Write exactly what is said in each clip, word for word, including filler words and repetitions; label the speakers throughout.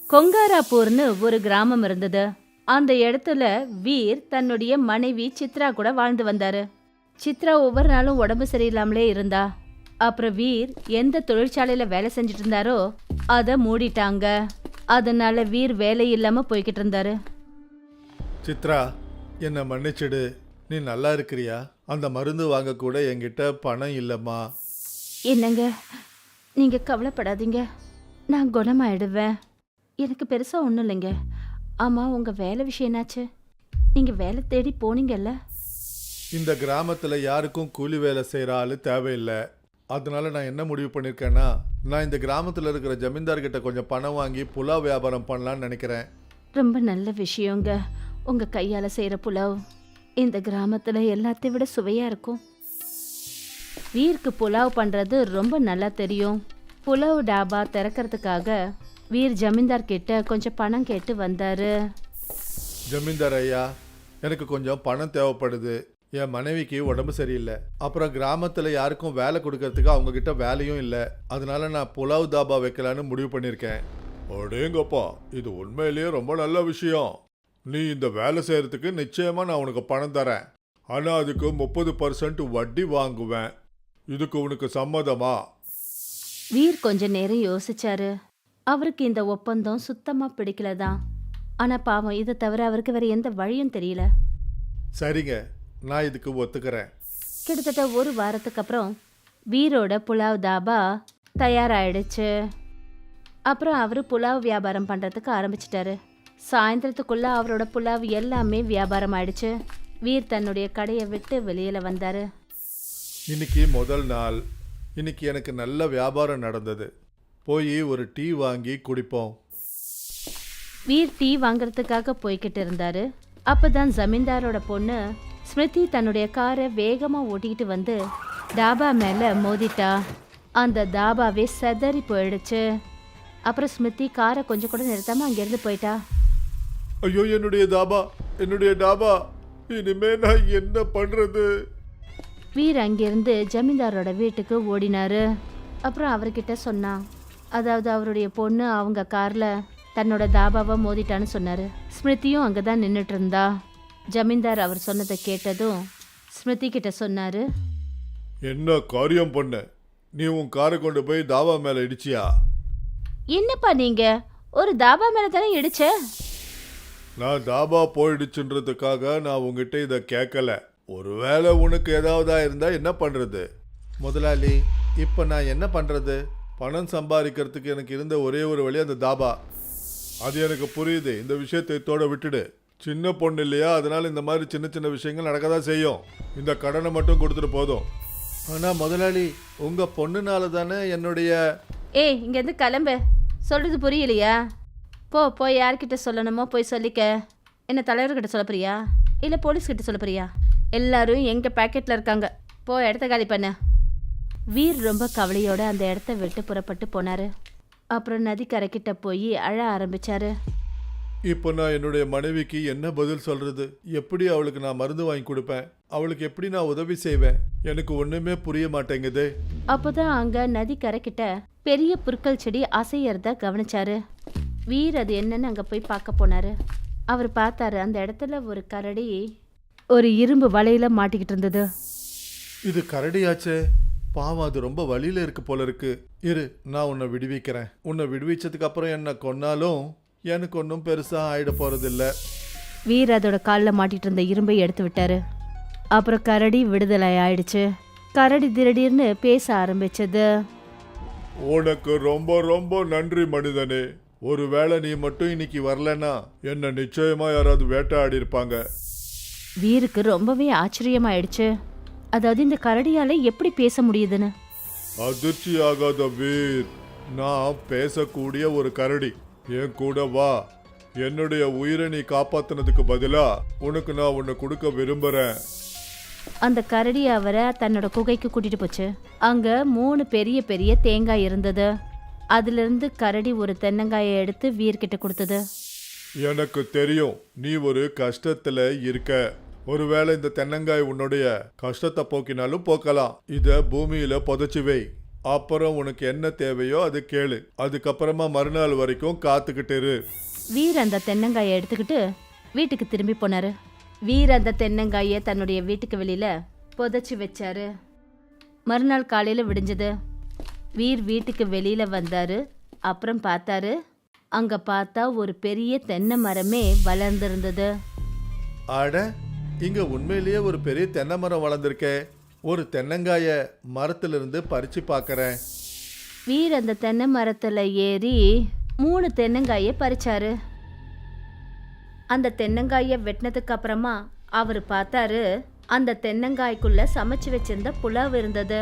Speaker 1: கொங்காராப்பூர்னு ஒரு கிராமம் இருந்தது. அந்த இடத்துல வீர் தன்னுடைய மனைவி சித்ரா கூட வாழ்ந்து வந்தாரு. சித்ரா ஒவ்வொரு நாளும் உடம்பு சரியில்லாமலே இருந்தா. அப்புறம் வீர் எந்த தொழிற்சாலையில வேலை செஞ்சுட்டு இருந்தாரோ அதை மூடிட்டாங்க. அதனால வீர் வேலை இல்லாம போய்கிட்டு இருந்தாரு.
Speaker 2: சித்ரா, என்னை மன்னிச்சிடு. நீ நல்லா இருக்கிறியா? அந்த மருந்து வாங்க கூட என்கிட்ட பணம் இல்லைம்மா.
Speaker 1: என்னங்க, நீங்க கவலைப்படாதீங்க, நான் குணமாயிடுவேன். எனக்கு பெருசா ஒன்றும் இல்லைங்க. ஆமா, உங்க வேலை விஷயம் என்னாச்சு? நீங்க வேலை தேடி போனீங்கல்ல?
Speaker 2: இந்த கிராமத்தில் யாருக்கும் கூலி வேலை செய்கிற ஆள் தேவையில்லை. அதனால நான் என்ன முடிவு பண்ணியிருக்கேன்னா, நான் இந்த கிராமத்தில் இருக்கிற ஜமீன்தார்கிட்ட கொஞ்சம் பணம் வாங்கி புலாவ் வியாபாரம் பண்ணலான்னு நினைக்கிறேன்.
Speaker 1: ரொம்ப நல்ல விஷயங்க. உங்க கையால செய்யற புலாவ் இந்த கிராமத்துல எல்லாத்தையும் விட சுவையா இருக்கும். வீருக்கு புலாவ் பண்றது ரொம்ப நல்லா தெரியும். புலாவ் டாபா திறக்கிறதுக்காக வீர் ஜமீன்தார் கிட்ட கொஞ்சம் பணம் கேட்டு வந்தாரு.
Speaker 2: ஜமீன்தார் ஐயா, எனக்கு கொஞ்சம் பணம் தேவைப்படுது. என் மனைவிக்கு உடம்பு சரியில்லை. அப்புறம் கிராமத்தில் யாருக்கும் வேலை கொடுக்கறதுக்கு அவங்க கிட்ட வேலையும் இல்லை. அதனால நான் புலாவ் தாபா வைக்கலான்னு முடிவு பண்ணியிருக்கேன். அடேங்கப்பா, இது உண்மையிலேயே ரொம்ப நல்ல விஷயம். நீ இந்த வேலை செய்யறதுக்கு நிச்சயமா நான் உனக்கு பணம் தரேன். ஆனால் அதுக்கு முப்பது பர்சன்ட் வட்டி வாங்குவேன். இதுக்கு உனக்கு சம்மதமா?
Speaker 1: வீர் கொஞ்ச நேரம் யோசிச்சாரு. அவருக்கு இந்த ஒப்பந்தம் சுத்தமா பிடிக்கலதான். ஆனா பாவம், இதை தவிர அவருக்கு வேற எந்த வழியும் தெரியல.
Speaker 2: சரிங்க, நான் இதுக்கு ஒத்துக்கிறேன்.
Speaker 1: கிட்டத்தட்ட ஒரு வாரத்துக்கு அப்புறம் வீரோட புலாவ் தாபா தயாராயிடுச்சு. அப்புறம் அவரு புலாவ் வியாபாரம் பண்றதுக்கு ஆரம்பிச்சிட்டாரு. சாயந்தரத்துக்குள்ள அவரோட புலாவ் எல்லாமே வியாபாரம் ஆயிடுச்சு. வீர் தன்னுடைய கடையை விட்டு வெளியில வந்தாரு.
Speaker 2: இன்னைக்கு முதல் நாள். இன்னைக்கு எனக்கு நல்ல வியாபாரம் நடந்தது. போய் ஒரு டீ வாங்கி குடிப்போம்.
Speaker 1: வீர் டீ வாங்குறதுக்காக போய்கிட்டு இருந்தாரு. அப்பதான் ஜமீன்தாரோட பொண்ணு ஸ்மிருதி தன்னுடைய காரை வேகமா ஓட்டிக்கிட்டு வந்து தாபா மேல மோதிட்டா. அந்த தாபாவே செதறி போயிடுச்சு. அப்புறம் ஸ்மிருதி காரை கொஞ்சம் கூட நிறுத்தாம அங்கிருந்து போயிட்டா.
Speaker 2: ஐயோ, என்னுடைய தாபா, என்னுடைய டாபா, இனிமே நான் என்ன பண்றது?
Speaker 1: வீர் அங்கிருந்து ஜமீன்தாரோட வீட்டுக்கு ஓடினாரு. அப்புறம் அவர்கிட்ட சொன்னான். அதாவது அவருடைய பொண்ணு அவங்க கார்ல தன்னோட தாபாவை மோதிட்டான்னு சொன்னாரு. ஸ்மிருதியும் அங்கதான் நின்றுட்டு இருந்தா. ஜமீன்தார் அவர் சொன்னதை கேட்டதும் ஸ்மிருதி கிட்ட சொன்னாரு.
Speaker 2: என்ன காரியம் பண்ண? நீ உன் காரை கொண்டு போய் தாபா மேல இடிச்சியா?
Speaker 1: என்னப்பா நீங்க ஒரு தாபா மேல தானே இடிச்ச?
Speaker 2: நான் தாபா போயிடுச்சுன்றதுக்காக நான் உங்ககிட்ட இதை கேட்கல. ஒருவேளை உனக்கு ஏதாவதா இருந்தா என்ன பண்றது? முதலாளி, இப்ப நான் என்ன பண்றது? பணம் சம்பாதிக்கிறதுக்கு எனக்கு இருந்த ஒரே ஒரு வழி அந்த தாபா. அது எனக்கு புரியுது. இந்த விஷயத்தை இதோட விட்டுடு. சின்ன பொண்ணு இல்லையா, அதனால இந்த மாதிரி சின்ன சின்ன விஷயங்கள் நடக்க தான் செய்யும். இந்த கடனை மட்டும் கொடுத்துட்டு போதும். ஆனா முதலாளி, உங்க பொண்ணுனால தானே என்னுடைய...
Speaker 1: ஏய், இங்கேருந்து கிளம்பு. சொல்றது புரியலையா? போ, போய் யார்கிட்ட சொல்லணுமோ போய் சொல்லிக்க. என்ன தலைவர்கிட்ட சொல்ல போறியா இல்லை போலீஸ்கிட்ட சொல்ல போறியா? எல்லாரும் எங்க பேக்கெட்ல இருக்காங்க. போ, இடத்த காலி பண்ண. வீர் ரொம்ப கவலையோட அந்த இடத்த விட்டு புறப்பட்டு போனாரு. அப்புறம் நதிக்கரைக்கிட்ட போய் அழ ஆரம்பிச்சாரு.
Speaker 2: இப்போ நான் என்னுடைய மனைவிக்கு என்ன பதில் சொல்றது? எப்படி அவளுக்கு நான் மருந்து வாங்கி கொடுப்பேன்? அவளுக்கு எப்படி நான் உதவி செய்வேன்? எனக்கு ஒண்ணுமே புரிய மாட்டேங்குது.
Speaker 1: அப்போதான் அங்க நதிக்கரைக்கிட்ட பெரிய புற்கள் செடி அசையறத கவனிச்சாரு. வீர் அது என்னன்னு அங்க போய் பார்க்க போனாரு. அவர் பார்த்தாரு, அந்த இடத்துல ஒரு கரடி ஒரு இரும்பு வலையில மாட்டிக்கிட்டு இருந்தது.
Speaker 2: இது கரடியாச்சே, பாவம், அது ரொம்ப வலியில இருக்கு போல இருக்கு. இரு, நான் உன்னை விடுவிக்கிறேன். உன்னை விடுவிச்சதுக்கு அப்புறம் என்ன கொன்னாலும் எனக்கு ஒன்றும் பெருசா ஆயிட போறதில்ல.
Speaker 1: வீர் அதோட காலில் மாட்டிட்டு இருந்த இரும்பை எடுத்து விட்டாரு. அப்புறம் கரடி விடுதலை ஆயிடுச்சு. கரடி திடீர்னு பேச ஆரம்பிச்சது.
Speaker 2: உனக்கு ரொம்ப ரொம்ப நன்றி மனிதனே. ஒருவேளை நீ மட்டும் இன்னைக்கு வரலன்னா என்ன நிச்சயமா யாராவது வேட்டையாடி இருப்பாங்க.
Speaker 1: வீருக்கு ரொம்பவே ஆச்சரியமாயிடுச்சு. அதாவது இந்த கரடியால எப்படி பேச முடியுதுன்னு.
Speaker 2: அதிர்ச்சி ஆகாத வீர், நான் பேசக்கூடிய ஒரு கரடி. என் கூட வா. என்னுடைய உயிரை நீ காப்பாத்தினதுக்கு பதிலா உனக்கு நான் உன்னை கொடுக்க விரும்புறேன்.
Speaker 1: அந்த கரடி அவரை தன்னோட குகைக்கு கூட்டிட்டு போச்சு. அங்க மூணு பெரிய பெரிய தேங்காய் இருந்தது. அதுல இருந்து கரடி ஒரு தென்னங்காயை எடுத்து வீர்கிட்ட கொடுத்தது.
Speaker 2: எனக்கு தெரியும் நீ ஒரு கஷ்டத்துல இருக்க. ஒருவேளை இந்த தென்னங்காய் உன்னுடைய கஷ்டத்தை போக்கினாலும் போக்கலாம். இத பூமியில புதைச்சி வை. அப்புறம் உனக்கு என்ன தேவையோ அது கேளு. அதுக்கப்புறமா மறுநாள் வரைக்கும் காத்துக்கிட்டு இரு.
Speaker 1: வீர் அந்த தென்னங்காயை எடுத்துக்கிட்டு வீட்டுக்கு திரும்பி போனாரு. வீர் அந்த தென்னங்காயை தன்னுடைய வீட்டுக்கு வெளியில புதைச்சி வச்சாரு. மறுநாள் காலையில விடிஞ்சது. வீர் வீட்டுக்கு வெளியில வந்தாரு. அப்புறம் பார்த்தாரு, அங்க பார்த்தா ஒரு பெரிய தென்னை மரமே வளர்ந்திருந்தது.
Speaker 2: அட, இங்க உண்மையிலேயே ஒரு பெரிய தென்னை மரம் வளர்ந்துருக்கே. ஒரு தென்னங்காய மரத்திலிருந்து பறிச்சு பார்க்கறேன்.
Speaker 1: வீர் அந்த தென்னை மரத்துல ஏறி மூணு தென்னங்காயை பறிச்சாரு. அந்த தென்னங்காயை வெட்டினதுக்கு அப்புறமா அவர் பார்த்தாரு, அந்த தென்னங்காய்க்குள்ள சமைச்சு வச்சிருந்த புலாவ் இருந்தது.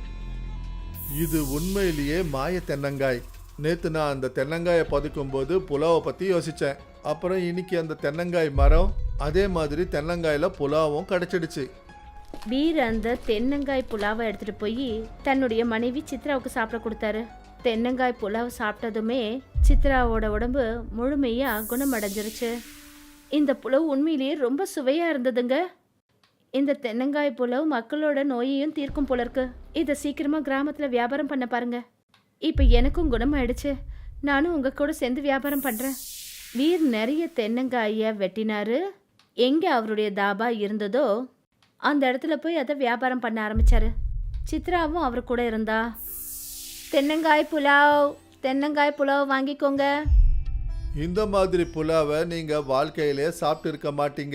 Speaker 2: இது உண்மையிலேயே மாய தென்னங்காய். நேத்து நான் அந்த தென்னங்காயை பதுக்கும் போது புலாவை பத்தி யோசிச்சேன். அப்புறம் இன்னைக்கு அந்த தென்னங்காய் மரம், அதே மாதிரி தென்னங்காயில புலாவும் கிடைச்சிடுச்சு.
Speaker 1: வீர் அந்த தென்னங்காய் புலாவை எடுத்துட்டு போய் தன்னுடைய மனைவி சித்ராவுக்கு சாப்பிட கொடுத்தாரு. தென்னங்காய் புலாவை சாப்பிட்டதுமே சித்ராவோட உடம்பு முழுமையா குணமடைஞ்சிருச்சு. இந்த புலாவ் உண்மையிலேயே ரொம்ப சுவையா இருந்ததுங்க. இந்த தென்னங்காய் புலாவ் மக்களோட நோயையும் தீர்க்கும் போல இருக்கு. இதை சீக்கிரமா கிராமத்துல வியாபாரம் பண்ண பாருங்க. இப்ப எனக்கும் குணமாயிடுச்சு. நானும் உங்க கூட சேர்ந்து வியாபாரம் பண்றேன். வீர் நிறைய தென்னங்காயை வெட்டினாரு. எங்க அவருடைய தாபா இருந்ததோ அந்த இடத்துல போய் அதை வியாபாரம் பண்ண ஆரம்பிச்சாரு. சித்ராவும் அவர் கூட இருந்தா. தென்னங்காய் புலாவ், தென்னங்காய் புலாவ் வாங்கிக்கோங்க.
Speaker 2: இந்த மாதிரி புலாவை நீங்க வாழ்க்கையிலே சாப்பிட்டு இருக்க மாட்டீங்க.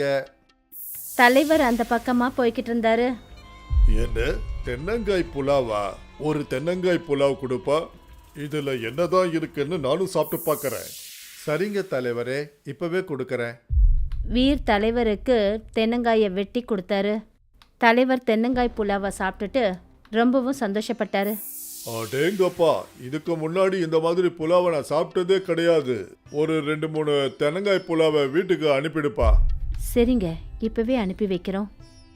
Speaker 1: தலைவர் அந்த பக்கமா போய்கிட்டு இருந்தாரு.
Speaker 2: என்ன தென்னங்காய் புலாவா? ஒரு தென்னங்காய் புலாவ் கொடுப்பா? இதுல என்னதான் இருக்குன்னு நானும் சாப்பிட்டு பார்க்கறேன். சரிங்க தலைவரே, இப்பவே கொடுக்கறேன்.
Speaker 1: வீர் தலைவருக்கு தென்னங்காயை வெட்டி கொடுத்தாரு. தலைவர் தென்னங்காய் புலாவை சாப்பிட்டுட்டு ரொம்பவும் சந்தோஷப்பட்டாரு.
Speaker 2: அடேங்கப்பா, இதுக்கு முன்னாடி இந்த மாதிரி புலாவை நான் சாப்பிட்டதே கிடையாது. ஒரு ரெண்டு மூணு தென்னங்காய் புலாவை வீட்டுக்கு அனுப்பிடுப்பா.
Speaker 1: சரிங்க, இப்பவே அனுப்பி வைக்கிறோம்.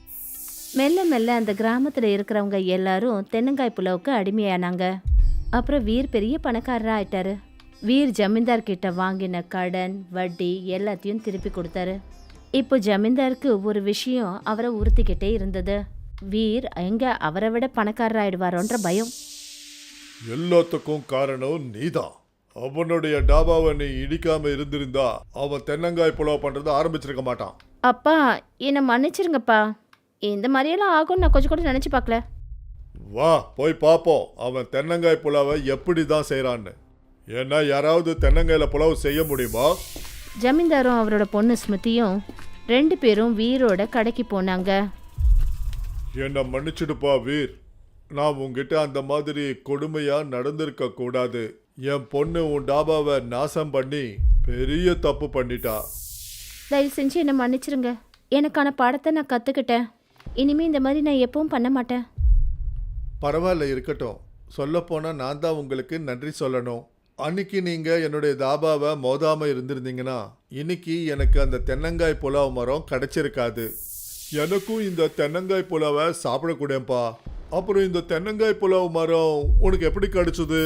Speaker 1: மெல்ல மெல்ல அந்த கிராமத்தில் இருக்கிறவங்க எல்லாரும் தென்னங்காய் புலாவுக்கு அடிமையானாங்க. அப்புறம் வீர் பெரிய பணக்காரராக ஆயிட்டாரு. வீர் ஜமீன்தார் கிட்ட வாங்கின கடன் வட்டி எல்லாத்தையும் திருப்பி கொடுத்தாரு. இப்போ ஜமீன்தாருக்கு ஒரு விஷயம் அவரை உறுத்திக்கிட்டே இருந்தது. வீர் எங்க அவரை விட பணக்காரராயிடுவாரோன்ற பயம்.
Speaker 2: எல்லாத்துக்கும் காரணம் நீதான். அவனுடைய டாபாவை நீ இடிக்காம இருந்திருந்தா அவன் தென்னங்காய் புலாவ் பண்றதை ஆரம்பிச்சிருக்க மாட்டான்.
Speaker 1: அப்பா, என்னை மன்னிச்சிருங்கப்பா. இந்த மாதிரியெல்லாம் ஆகும்னு நான் கொஞ்சம் கூட நினைச்சு பார்க்கல.
Speaker 2: வா போய் பார்ப்போம் அவன் தென்னங்காய் புலாவை எப்படி தான் செய்யறான்னு. ஏன்னா யாராவது தென்னங்காயில புலாவ் செய்ய முடியுமா?
Speaker 1: ஜமீன்தாரும் அவரோட பொண்ணு ஸ்மிருதியும் ரெண்டு பேரும் வீரோட கடைக்கு போனாங்க.
Speaker 2: என்னை மன்னிச்சுடுப்பா வீர், நான் உங்ககிட்ட அந்த மாதிரி கொடுமையா நடந்திருக்க கூடாது. என் பொண்ணு உன் டாபாவை நாசம் பண்ணி பெரிய தப்பு பண்ணிட்டா.
Speaker 1: தயவு செஞ்சு என்னை மன்னிச்சிருங்க. எனக்கான பாடத்தை நான் கற்றுக்கிட்டேன். இனிமே இந்த மாதிரி நான் எப்பவும் பண்ண மாட்டேன்.
Speaker 2: பரவாயில்ல, இருக்கட்டும். சொல்லப்போனால் நான் தான் உங்களுக்கு நன்றி சொல்லணும். அன்னைக்கு நீங்கள் என்னுடைய தாபாவை மோதாம இருந்திருந்தீங்கன்னா இன்னைக்கு எனக்கு அந்த தென்னங்காய் புலாவ் மரம் கிடைச்சிருக்காது. எனக்கும் இந்த தென்னங்காய் புலாவை சாப்பிடக்கூடேப்பா. அப்புறம் இந்த தென்னங்காய் புலாவ் மரம் உனக்கு எப்படி கிடைச்சது?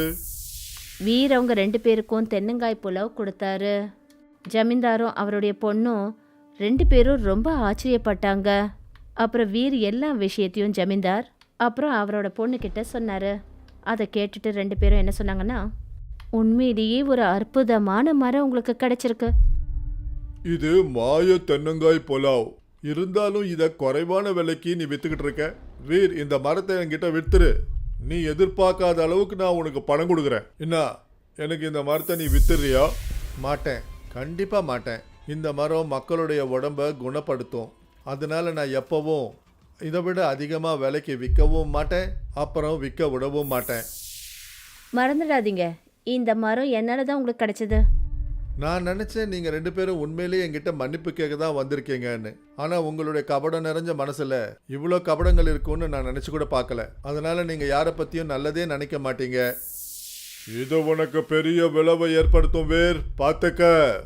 Speaker 1: வீர் அவங்க ரெண்டு பேருக்கும் தென்னங்காய் புலாவ் கொடுத்தாரு. ஜமீன்தாரும் அவருடைய பொண்ணும் ரெண்டு பேரும் ரொம்ப ஆச்சரியப்பட்டாங்க. அப்புறம் வீர் எல்லா விஷயத்தையும் ஜமீன்தார் அப்புறம் அவரோட பொண்ணுக்கிட்ட சொன்னார். அதை கேட்டுட்டு ரெண்டு பேரும் என்ன சொன்னாங்கன்னா, உண்மையிலேயே ஒரு அற்புதமான மரம் உங்களுக்கு கிடைச்சிருக்கு.
Speaker 2: இது மாய தென்னங்காய் புலாவ். இருந்தாலும் இதை குறைவான விலைக்கு நீ வித்துக்கிட்டு இருக்க. வீர், இந்த மரத்தை என்கிட்ட வித்துரு. நீ எதிர்பார்க்காத அளவுக்கு நான் உனக்கு பணம் கொடுக்குறேன். என்ன, எனக்கு இந்த மரத்தை நீ வித்துறியா? மாட்டேன், கண்டிப்பா மாட்டேன். இந்த மரம் மக்களுடைய உடம்ப குணப்படுத்தும். அதனால நான் எப்பவும் இதை விட அதிகமாக விலைக்கு விற்கவும் மாட்டேன், அப்புறம் விற்க விடவும் மாட்டேன்.
Speaker 1: மறந்துடாதீங்க, இந்த மரம் என்னால் தான் உங்களுக்கு கிடைச்சது.
Speaker 2: நான் நினச்சேன் நீங்கள் ரெண்டு பேரும் உண்மையிலேயே என்கிட்ட மன்னிப்பு கேட்க தான் வந்திருக்கீங்கன்னு. ஆனால் உங்களுடைய கபடம் நிறைஞ்ச மனசில் இவ்வளோ கபடங்கள் இருக்கும்னு நான் நினச்சி கூட பார்க்கல. அதனால் நீங்கள் யாரை பற்றியும் நல்லதே நினைக்க மாட்டீங்க. இது உனக்கு பெரிய விளைவை ஏற்படுத்தும் வேர், பார்த்துக்க.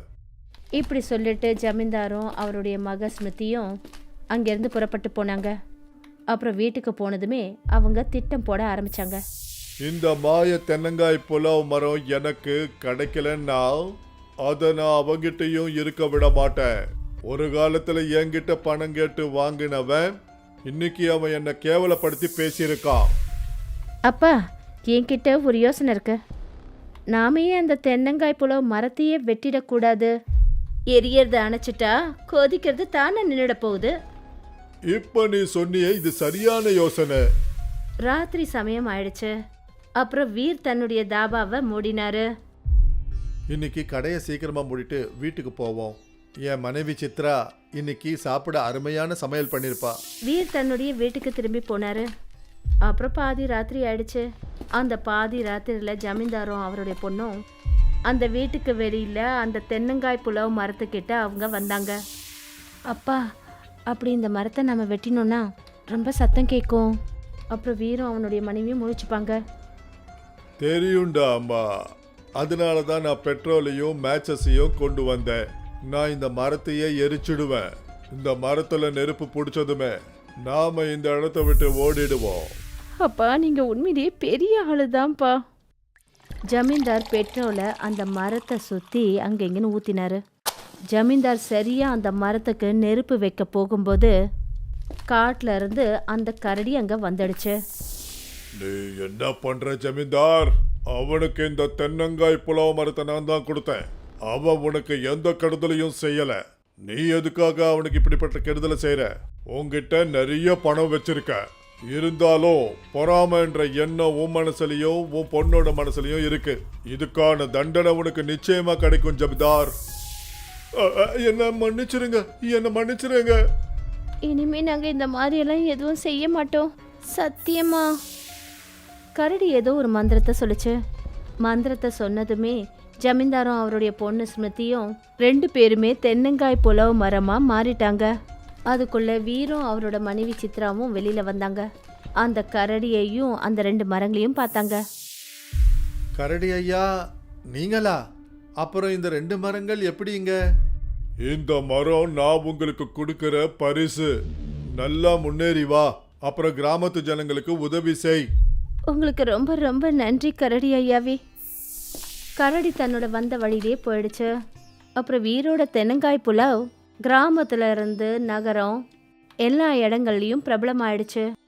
Speaker 1: இப்படி சொல்லிட்டு ஜமீன்தாரும் அவருடைய மக ஸ்மிருதியும் அங்கேருந்து புறப்பட்டு போனாங்க. அப்புறம் வீட்டுக்கு போனதுமே அவங்க திட்டம் போட ஆரம்பிச்சாங்க.
Speaker 2: இந்த மாய தென்னங்காய் புலாவ் மரம் எனக்கு கிடைக்கலன்னா அதை நான் அவங்கிட்டையும் இருக்க விட மாட்டேன். ஒரு காலத்துல என்கிட்ட பணம் கேட்டு வாங்கினவன் இன்னைக்கு அவன் என்னை கேவலப்படுத்தி பேசியிருக்கான்.
Speaker 1: அப்பா, என்கிட்ட ஒரு யோசனை இருக்கு. நாமே அந்த தென்னங்காய் புலவு மரத்தையே வெட்டிடக்கூடாது. எரியறத அணைச்சிட்டா கொதிக்கிறது தானே நின்றுட போகுது.
Speaker 2: இப்ப நீ சொன்னியே இது சரியான யோசனை.
Speaker 1: ராத்திரி சமயம் ஆயிடுச்சு. அப்புறம் வீர் தன்னுடைய தாபாவை மூடினாரு.
Speaker 2: இன்னைக்கு கடையை சீக்கிரமா மூடிட்டு வீட்டுக்கு போவோம். என் மனைவி சித்ரா இன்னைக்கு சாப்பிட அருமையான சமையல் பண்ணிருப்பா.
Speaker 1: வீர் தன்னுடைய வீட்டுக்கு திரும்பி போனாரு. அப்புறம் பாதி ராத்திரி ஆயிடுச்சு. அந்த பாதி ராத்திரியில ஜமீன்தாரும் அவருடைய பொண்ணும் அந்த வீட்டுக்கு வெளியில அந்த தென்னங்காய் புலவு மரத்துக்கிட்ட அவங்க வந்தாங்க. அப்பா, அப்படி இந்த மரத்தை நம்ம வெட்டினோம்னா ரொம்ப சத்தம் கேட்கும். அப்புறம் வீரும் அவனுடைய மனைவியும் முழிச்சுப்பாங்க.
Speaker 2: தெரியும்டா அம்மா, அதனால தான் நான் பெட்ரோலையும் மேட்சஸையும் கொண்டு வந்தேன். நான் இந்த மரத்தையே எரிச்சிடுவேன். இந்த மரத்துல நெருப்பு பிடிச்சதுமே நாம இந்த இடத்த விட்டு ஓடிடுவோம்.
Speaker 1: அப்பா, நீங்க உண்மையிலேயே பெரிய ஆளுதான்ப்பா. ஜமீன்தார் பெட்ரோலை அந்த மரத்தை சுத்தி அங்க இங்கன்னு ஊத்தினாரு. ஜமீன்தார் சரியா அந்த மரத்துக்கு நெருப்பு வைக்க போகும்போது காட்டுல இருந்து அந்த கரடி அங்க வந்துடுச்சு.
Speaker 2: நீ என்ன பண்ற ஜமீன்தார்? அவனுக்கு இந்த தென்னங்காய் புலாவ் மரத்தை நான் தான் கொடுத்தேன். அவன் உனக்கு எந்த கெடுதலையும் செய்யல. நீ எதுக்காக அவனுக்கு இப்படிப்பட்ட கெடுதலை செய்யற? உன்கிட்ட நிறைய பணம் வச்சிருக்க. இருந்தாலும் பொறாமன்ற எண்ணம் உன் மனசுலயும் உன் பொண்ணோட மனசுலயும் இருக்கு. இதுக்கான தண்டனை உனக்கு நிச்சயமா கிடைக்கும் ஜமீன்தார். என்ன மன்னிச்சிருங்க, என்ன மன்னிச்சிருங்க.
Speaker 1: இனிமே நாங்க இந்த மாதிரி எல்லாம் எதுவும் செய்ய மாட்டோம், சத்தியமா. கரடி ஏதோ ஒரு மந்திரத்தை சொல்லுச்சு. மந்திரத்தை சொன்னதுமே ஜமீன்தாரும் அவருடைய பொண்ணு ஸ்மிருதியும் ரெண்டு பேருமே தென்னங்காய் புலவு மரமா மாறிட்டாங்க. அதுக்குள்ள வீரும் அவரோட மனைவி சித்ராவும் வெளியில வந்தாங்க. அந்த கரடியையும் அந்த ரெண்டு மரங்களையும் பார்த்தாங்க.
Speaker 2: கரடி ஐயா, நீங்களா? அப்புறம் இந்த ரெண்டு மரங்கள் எப்படிங்க? இந்த மரம் நான் உங்களுக்கு கொடுக்கிற பரிசு. நல்லா முன்னேறி வா, அப்புறம் கிராமத்து ஜனங்களுக்கு உதவி செய்.
Speaker 1: உங்களுக்கு ரொம்ப ரொம்ப நன்றி கரடி ஐயாவே. கரடி தன்னோட வந்த வழியிலே போயிடுச்சு. அப்புறம் வீரோட தென்னங்காய் புலாவ் கிராமத்துல இருந்து நகரம் எல்லா இடங்கள்லையும் பிரபலமாயிடுச்சு.